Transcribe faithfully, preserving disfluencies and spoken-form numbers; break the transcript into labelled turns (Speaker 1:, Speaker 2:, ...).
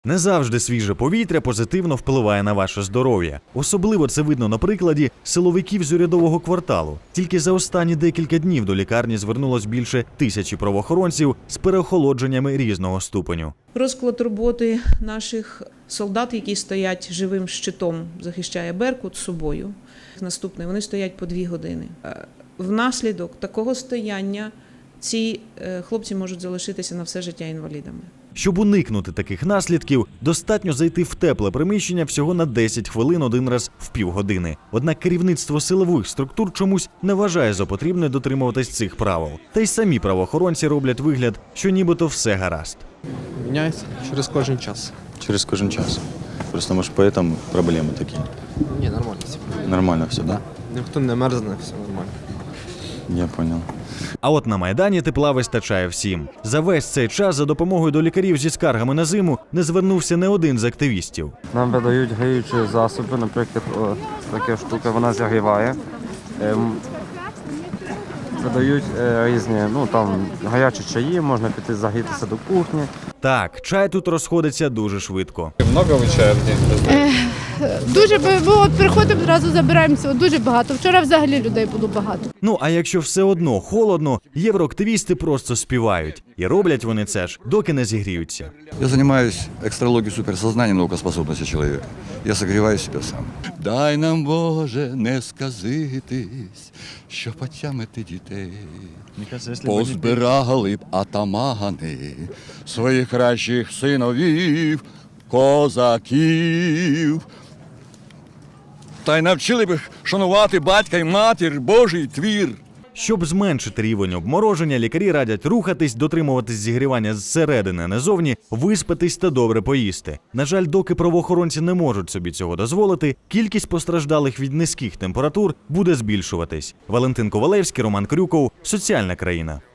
Speaker 1: Не завжди свіже повітря позитивно впливає на ваше здоров'я. Особливо це видно на прикладі силовиків з урядового кварталу. Тільки за останні декілька днів до лікарні звернулось більше тисячі правоохоронців з переохолодженнями різного ступеню.
Speaker 2: Розклад роботи наших солдат, які стоять живим щитом, захищає Беркут собою. Наступне, вони стоять по дві години. Внаслідок такого стояння ці хлопці можуть залишитися на все життя інвалідами.
Speaker 1: Щоб уникнути таких наслідків, достатньо зайти в тепле приміщення всього на десять хвилин один раз в півгодини. Однак керівництво силових структур чомусь не вважає за потрібне дотримуватись цих правил. Та й самі правоохоронці роблять вигляд, що нібито все гаразд.
Speaker 3: Міняється через кожен час.
Speaker 4: Через кожен час. Просто, может, поэтому проблемы такие.
Speaker 3: Ні, нормально все.
Speaker 4: Нормально все, да?
Speaker 3: Ніхто не мерзне, все нормально.
Speaker 4: Я понял.
Speaker 1: А от на Майдані тепла вистачає всім. За весь цей час за допомогою до лікарів зі скаргами на зиму не звернувся не один з активістів.
Speaker 5: Нам видають гріючі засоби, наприклад, о, така штука, вона зігріває. Ем, видають е, різні, ну там гарячі чаї, можна піти загрітися до кухні.
Speaker 1: Так, чай тут розходиться дуже швидко.
Speaker 6: Много ви чаю в день?
Speaker 7: Дуже, бо от приходимо, одразу забираємося, дуже багато. Вчора взагалі людей було багато.
Speaker 1: Ну, а якщо все одно холодно, євроактивісти просто співають. І роблять вони це ж, доки не зігріються.
Speaker 8: Я занимаюсь экстралогией суперсознания, наукоспособности человека. Я согреваю себя сам. Дай нам, Боже, не сказитись, що потямити дітей. Позбирали б атамани своїх кращих синовів, козаків. Та й навчили б шанувати батька й матір, Божий твір.
Speaker 1: Щоб зменшити рівень обмороження, лікарі радять рухатись, дотримуватись зігрівання зсередини, не зовні, виспатись та добре поїсти. На жаль, доки правоохоронці не можуть собі цього дозволити, кількість постраждалих від низьких температур буде збільшуватись. Валентин Ковалевський, Роман Крюков, Соціальна країна.